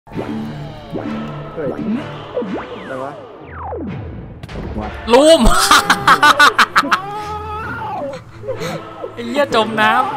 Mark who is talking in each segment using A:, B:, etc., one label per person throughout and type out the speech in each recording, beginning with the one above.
A: เฮ้ยอะไรวะ
B: ลูมไอ้เหี้ยจมน้ำ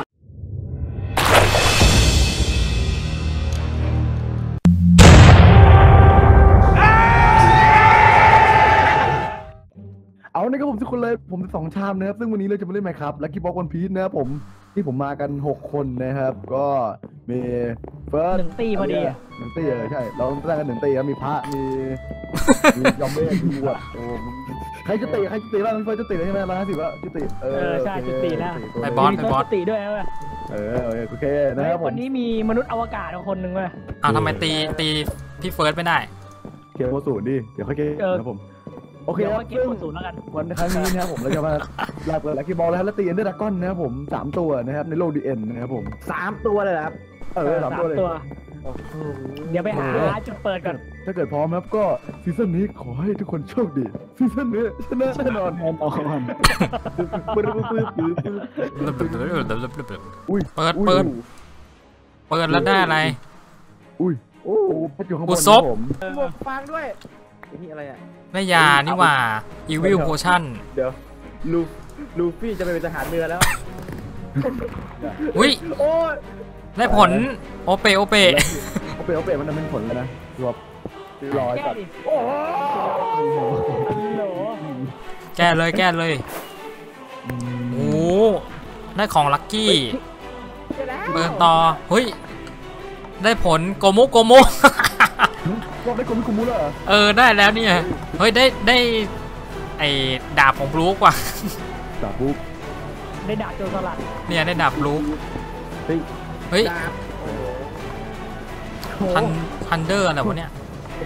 C: เอาในครับผมทุกคนเลยผม2 ชามนะครับซึ่งวันนี้เราจะมาเล่นไหมครับลัคกี้บ็อกวันพีซนะครับผมที่ผมมากัน6 คนนะครับก็มีเฟิร์ส
D: 1 ตีพอดี
C: 1 ตีใช่เราต้องตั้งกัน1 ตีครับมีพระมียอมเมฆมีบวชโอ้ใครจะตีบ้างพี่เฟิร์สจะตีเลยใช่ไหม150ว่าจะตี
D: ใช่จะตีแล้ว
B: ไปบอส
D: ตีด้วยเว้ย
C: โอเคนะครับผม
D: วันนี้มีมนุษย์อวกาศคนหนึ่งเว้ย
B: ทำไมตีพี่เฟิร์สไม่ได้
C: เกมโมศูนย์ดิเดี๋ยวค่อยเกมนะผมโอเคครับ
D: ซึ่งแล้วกัน
C: วันครั้งนี้นะครับผมเราจะมาลากลัคกี้บอลแล้วตีเอ็นเดอร์ดราก้อนนะครับผม3 ตัวนะครับในโลกดีเอ็นนะครับผม
A: 3 ตัวเลยครับ
C: 3 ตัวเลย
D: เดี๋ยวไปหาจุดเปิดก่อน
C: ถ้าเกิดพร้อมครับก็ซีซั่นนี้ขอให้ทุกคนโชคดีซีซั่นนี้ชนะแน่นอน
B: อุ้ยเปิดแล้วได้อะไร
C: อุ้ยโอ้พัดอยู่ข้างบน
A: ผมฟังด้วยนี่อะไรอ่ะ
B: แม่ยานี่ว่าอีวิลโพชั่น
A: เดี๋ยวลูฟี่จะไปเป็นทหารเรือแล้ว
B: อุ้ยได้ผลโอเป
C: มันเป็นผลเลยนะรวบร้อยก่อน
B: แก้เลยโอ้ได้ของลัคกี้เปิดต่อเฮ้ยได้ผลโกมุ
C: ได้โกมุแล้ว
B: ได้แล้วเนี่ยเฮ้ยได้ไอ้ดาบของบลูกว่ะ
C: ดาบ บลูก
D: ได้ดาบโจรสลัด
B: เนี่ยได้ดาบบลูกเฮ้ยทันเดอร์อะไรวะเนี่ย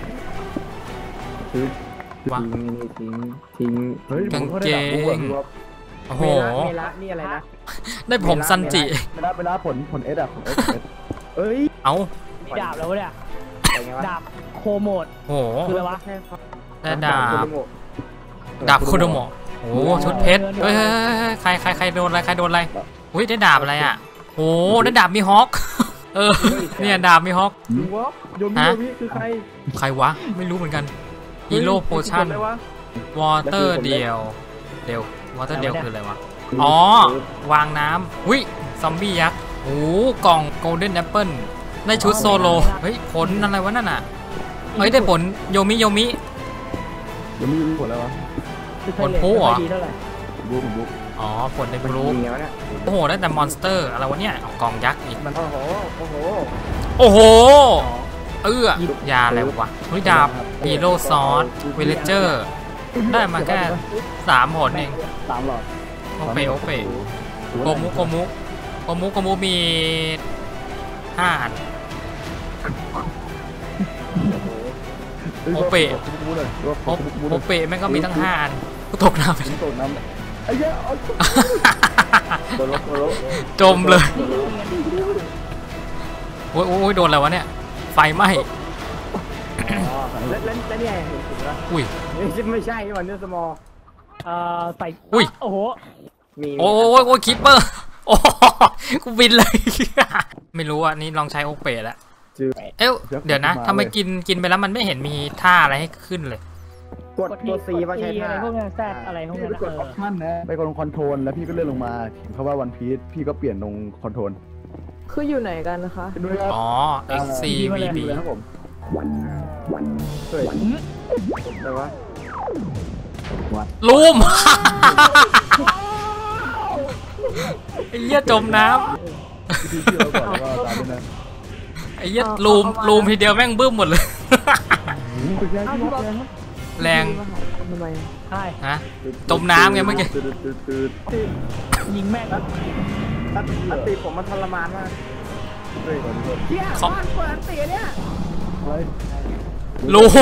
C: ทิ้ง
B: กางเกงโอ้โห
A: นี่อะไรนะ
B: ได้ผมซันจิ
C: เวลาผลเอสอะของเอส
B: เอา
D: ดาบแล้วเนี่ยดาบโคโมด
B: โอ้โห
D: คืออะไรวะ
B: ได้ดาบโคโดโมะโอ้ชุดเพชรเฮ้ยใครโดนอะไรอุ้ยได้ดาบอะไรอ่ะโอ้ได้ดาบมีฮอคเนี่ยดาบมีฮอค
A: โยมิคือ
B: ใครวะไม่รู้เหมือนกันฮีโร่โพชั่นวอเตอร์เดียววอเตอร์เดียวคืออะไรวะอ๋อวางน้ำอุ้ยซอมบี้ยักษ์โอ้กล่องโกลเด้นแอปเปิลได้ชุดโซโลเฮ้ยผลอะไรวะนั่นน่ะเฮ้ยได้ผลโยมิ
C: ผลอะไรวะ
B: ผลผู้เหรอ
C: บุ๊ก
B: อ๋อผลในบลูโอ้โหได้แต่มอนสเตอร์อะไรวะเนี่ยกล่องยักษ์อีกโอ้โหยาอะไรวะเฮ้ยดาบฮีโร่ซอสวิลเลเจอร์ได้มาแค่3 ผลเอง
C: 3 หลอด
B: โอเปโกมุมี5 อันโอเปแม่งก็มีตั้ง5 อันก็ตกน้ำ
C: ไอ้เหี้ย
B: จมเลยโอ้ยโดนอะไรวะเนี่ยไฟไหม้
A: แล้วเนี่ย
B: อุ้ย
A: ไม่ใช่วันนี้สมอ
D: ใส่
B: อุ้ย
D: โอ้โห
B: โอ้ยคิปเปอร์โอ้กูบินเลยไม่รู้อ่ะนี่ลองใช้โอเปแล้วเดี๋ยวนะทำไมกินไปแล้วมันไม่เห็นมีท่าอะไรให้ขึ้นเลย
A: กดตัว C ว่าใช่
D: อะไรพวกนั้นแซดอะไรพวกนั้น
C: กดออปชั่นนะไปกดลงคอนโทรลแล้วพี่ก็เลื่อนลงมาเพราะว่าวันพีซพี่ก็เปลี่ยนลงคอนโทรล
E: คืออยู่ไหนกันนะคะ
B: อ๋อ XCVB
C: ครับผม
A: เฮ้ยอะไรวะ
B: ลูมไอ้เหี้ยจมน้ำไอ้เหี้ยลูมทีเดียวแม่งบึ้มหมดเลยแรง
D: ใช่
B: ฮะจมน้ำไงเมื่อกี้
D: ยิงแม่ง
A: ตีผมมันทรมานมากของเปิดตีเนี่ย
B: ลูม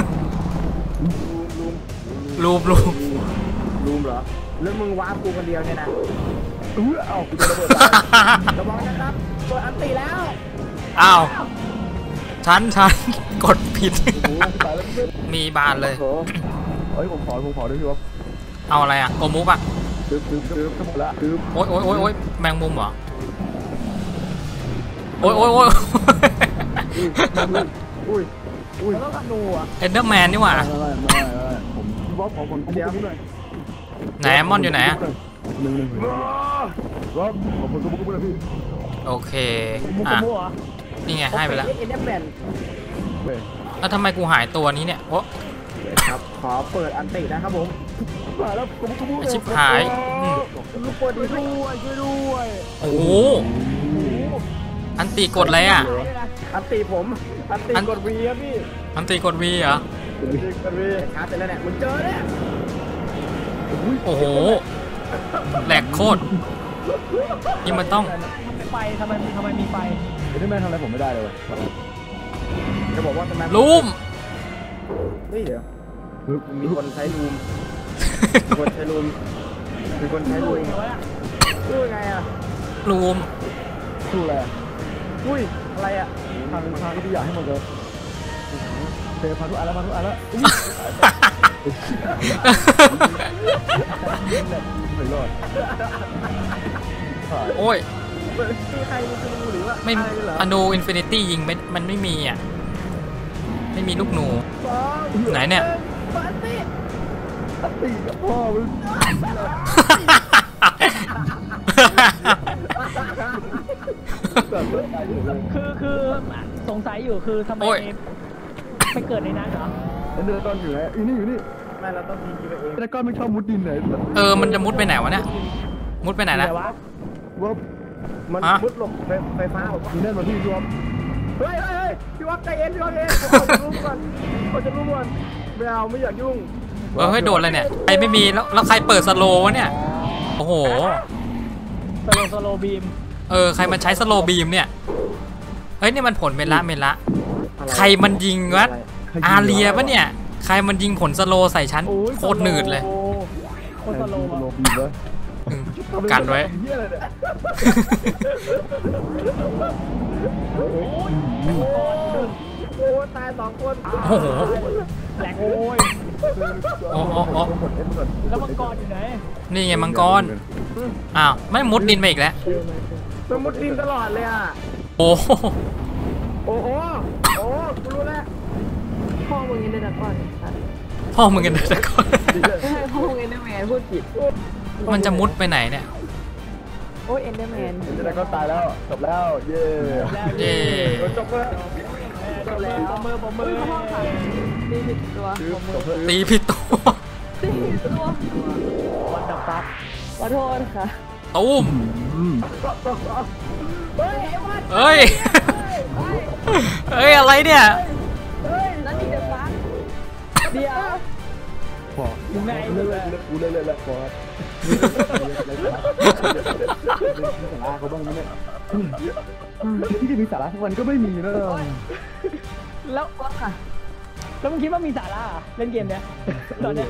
A: เหรอแล้วมึงว้ากูคนเดียวเนี่ยนะ
C: เอา
A: ระวังนะครับเปิดอันตีแล้ว
B: อ้าวฉันกดผิดมีบานเลย
C: เฮ้ยผมขอด้วยพี่ว่า
B: เอาอะไรอ่ะโกมุกอ่ะ
C: หมดละ
B: โอ้ยแมงมุมเหรอโอ้ย
A: อุ้ย
D: เราต้องธนูอ่ะ
B: เอนเดอร์แมนนี่หว่า
C: ไม่ผมพี่บ๊อบขอคนคุ้มหน่อย
B: ไหนมอนอยู่ไหนอะ
C: หนึ่งบ๊อบขอคนคุ้มหน่อยพี่
B: โอเค
D: มุก
B: อ่ะ
D: มุกเหรอ
B: นี่ไงให้ไปแล้ว
A: เอ็นเดอร์แมน
C: เว้ย
B: แล้วทำไมกูหายตัวนี้เนี่ยโอ้
A: ครับขอเปิดอันตินะครับผม
C: มาแล้วคุ้ม
B: ชิบหายอืม
A: ลูกเปิด
D: ช่
A: ดี
D: วยด้วย
B: โอ้โหอันตีกดอะไรอ่ะ
A: อันติผมอันติกดวีครับพี่
B: อันตีกดวีเหรอ
A: กดวีชาร์จไปแล้วเนี่ยมึงเจอเนี่ย
B: โอ้โหแหลกโคตรนี่มันต้อง
D: ไฟทำไมมีไฟ
C: เอ็นเดอร์แมนทำอะไรผมไม่ได้เลย
A: จะบอกว่าทำไม
B: ลูม
A: เฮ้ยเดี๋ยวมีคนใช้ลูมมีคนใช้ลูมมีคนใช้ลูมพูดไงอ่ะ
B: ลูม
C: สู้อะไร
A: อุ้ยอะไรอ่ะ
C: ทางที่อยากให้มันเกิดเทพันทุกอันแล้วไม่รอด
B: โอ้ย
A: คือใครมันจะรู้หรือว่า
B: ไม่
A: อะไรเหรอ
B: อนูอินฟินิตี้ยิงไม่มันไม่มีอ่ะไม่มีลูกหนู ไหนเนี่ย
A: ปาร์ตี้
C: ตีกับพ่อมึง
D: คือสงสัยอยู่คือทำไม
B: โอ้ย
D: ไปเกิดในนั้นเหรอ
C: เอ็นเดอร์ก้อนอยู่ไหนอยู่นี่
A: ไม่เราต้องยิงไปเอง
C: เอ็นเดอร์ก้อนไม่ชอบมุดดินไหน
B: มันจะมุดไปไหนวะเนี่ยมุดไปไหนนะ
D: วะ
C: ว่า
A: มัน
B: ฮะ
A: มุดหลบไฟฟ้าผม
C: มีแน่นมาที่รวม
A: เฮ้ยพี่วัดใจเย็นพี่วัดเย็นผมจะรู้ก่อนผมจะรู้ก่อนไม่เอาไม่อยากยุ่ง
B: เฮ้ยโดนอะไรเนี่ยใครไม่มีแล้วใครเปิดสโลว์วะเนี่ยโอ้โห
D: สโลบีม
B: ใครมันใช้สโลว์บีมเนี่ยเฮ้ยนี่มันผลเมละใครมันยิงวะอาเรียปะเนี่ยใครมันยิงผลสโลว์ใส่ฉันโคตรหนืดเลย
D: โคตรสโล
C: โล
D: ว์
C: บีเลย
B: อืมกันไว้
C: เฮียอะไรเนี่ย
A: โอ้ตาย2 คน
B: โอ้โห
D: แหลกโอ้ย
B: โอ้
D: แล้วมังกรอยู่ไหน
B: นี่ไงมังกรอ้าวไม่มุดดินไปอีกแล้ว
A: มันมุดดินตลอดเลยอ่ะ
B: โอ้โห
A: โอ้กูรู้แล้ว
E: พ่อมึงเอ็นเดอร์ก่อนค่ะ
B: พ่อมึงกันนะก่อน
E: ไม่ใช่พ่อมึงเอ็นเดอร์แมนพูดผิด
B: มันจะมุดไปไหนเนี่ย
E: โอ้ยเอ็นเดอร์แมน
C: เอ็นเดอร์ก้อนตายแล้วจบแล้วเย่
B: เย่
A: จบแล้ว
D: ปมือ
E: อุ้ยพ่อค่ะตีผิดตัว
B: ตีผิดตัว
E: ตีผิดตัว
D: วันดับปั๊บ
E: ขอโทษค่ะ
B: ตุ้ม
A: เฮ้ยไอ้วัด
B: เฮ้ยอะไรเนี่ย
E: นั่นนี่เดอะฟักเดี๋ยว
C: พอ
D: อยู่ไหน
C: เล่นกูเล่นพอสาระเขาบ้างไหมเนี่ยที่จะมีสาระทุกวันก็ไม่มีนะ
D: แล้ว
E: ว่าค่ะ
D: แล้วมึงคิดว่ามีสาระเหรอเล่นเกมเนี้ยตอนเนี้ย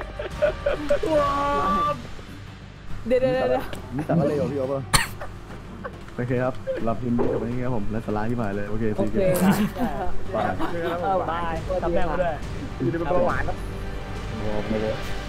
E: เดี๋ยว
C: มีสาระเลยเหรอพี่อ๊อฟโอเคครับรับพิมพ์นี้กับวันนี้ครับผมและสาระที่มาเลยโอเค
E: โอ
C: ซี
E: เค
C: เกม
E: ค่ะ
C: บาย
D: บายทำแม่มาด้วย
A: อยู่ในเบาหวานครับ
C: โอ้โห